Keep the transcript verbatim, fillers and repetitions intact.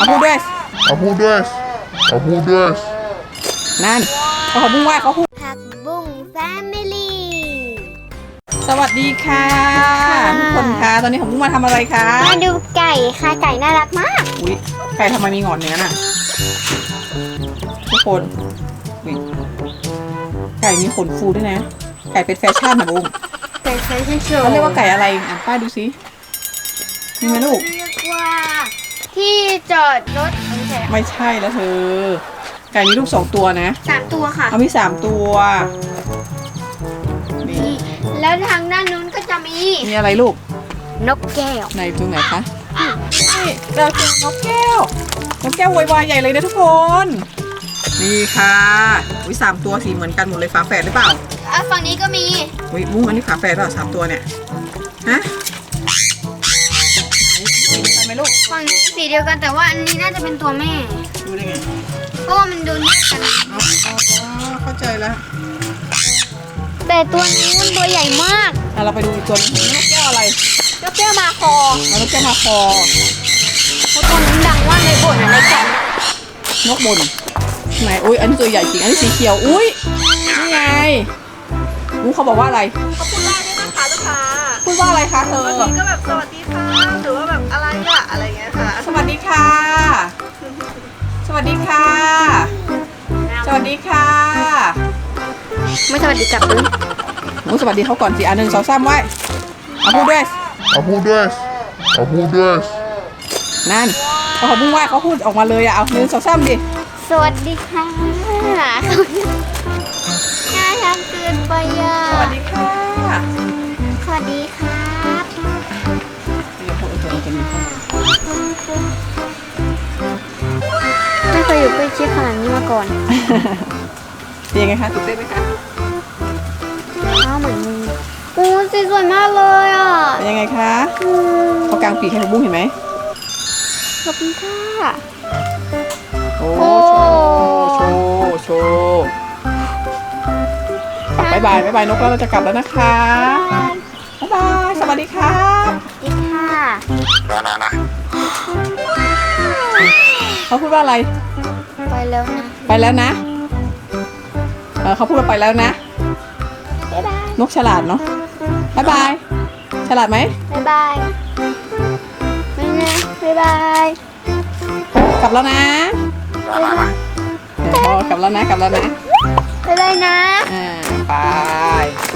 เอาพูดด้วยเอาพูดด้วยเอาพูดด้วยนั่นเขาบุ้งว่าเขาพูดผักบุ้งแฟมิลี่สวัสดีค่ะทุกคนคะตอนนี้ผมบุ้งมาทำอะไรคะมาดูไก่ค่ะไก่น่ารักมากอุ้ยไก่ทำไมมีหงอนเนื้อน่ะทุกคนอุ๊ยไก่มีขนฟูด้วยนะไก่เป็นแฟชั่นนะบุ้งไก่แฟชั่นโชว์เขาเรียกว่าไก่อะไรอ่านป้ายดูสิมีไหมลูกเรียกว่าที่จอดรถไม่ใช่ไม่ใช่แล้วเธอไก่มีลูกสองตัวนะสามตัวค่ะเอามีสามตัวนี่แล้วทางด้านนู้นก็จะมีมีอะไรลูกนกแก้วในตรงไหนคะนี่เราเจอนกแก้วนกแก้วโวยวายใหญ่เลยนะทุกคน นี่ค่ะอุ้ยสามตัวสีเหมือนกันหมดเลยฝาแฝดหรือเปล่าอ่ะฝั่งนี้ก็มีอุ้ยมุ้งอันนี้ฝาแฝดเปล่าสามตัวเนี่ยฮะไหนทำไมลูกฝั่งนี้สีเดียวกันแต่ว่าอันนี้น่าจะเป็นตัวแม่ดูได้ไงเพราะว่ามันดูน่ากันอ๋อเข้าใจแล้วแต่ตัวนี้มันตัวใหญ่มากอ่ะเราไปดูอีกตัวนึงนกแก้วอะไรนกแก้วมาคอแล้วนกแก้วมาคอเพราะตัวนั้นดังว่ากในบ่นอะไรกันนกบนไหนอุ้ยอันนี้ตัวใหญ่จริงอันนี้สีเขียวอุ้ยนี่ไงมุ้งเขาบอกว่าอะไรเขาพูดได้ด้วยนะคะลูกค้าพูดว่าอะไรคะเธอบางทีก็แบบสวัสดีค่ะหรือว่าแบบอะไรอะอะไรเงี้ยค่ะสวัสดีค่ะ สวัสดีค่ะ สวัสดีค่ะไม่สวัสดีกลับเลยหมูสวัสดีเขาก่อนสิอันหนึ่งสองสามไว้เอาพูดด้วยเอาพูดด้วยเอาพูดด้วยนั่นเขาเขาบุ้งว่าเขาพูดออกมาเลยอะเอาหนึ่งสองสามดิสวัสดีค่ะน่ารักเกินไปอ่ะสวัสดีค่ะสวัสดีครับเดี๋ยวพูดเออจะมีข้างในไม่เคยอยู่ใกล้ชิดขนาดนี้มาก่อนเป็นยังไงคะตื่นเต้นไหมคะอ้าวเหมือนมึงโอ้สีสวยมากเลยอ่ะเป็นยังไงคะอืมเขากางปีกให้บุ้งเห็นไหมขอบคุณค่ะโอ้โอ้โชว์โชว์กลับบายบายบายบายนกแล้วเราจะกลับแล้วนะคะบายบายสวัสดีครับสวัสดีค่ะเขาพูดว่าอะไรไปแล้วนะไปแล้วนะเออเขาพูดว่าไปแล้วนะบ๊ายบายนกฉลาดเนาะบายบายฉลาดไหมบ๊ายบายไม่นะบ๊ายบายกลับแล้วนะเดี๋ยวพอกลับแล้วนะกลับแล้วนะบ๊ายบายนะอ่าไป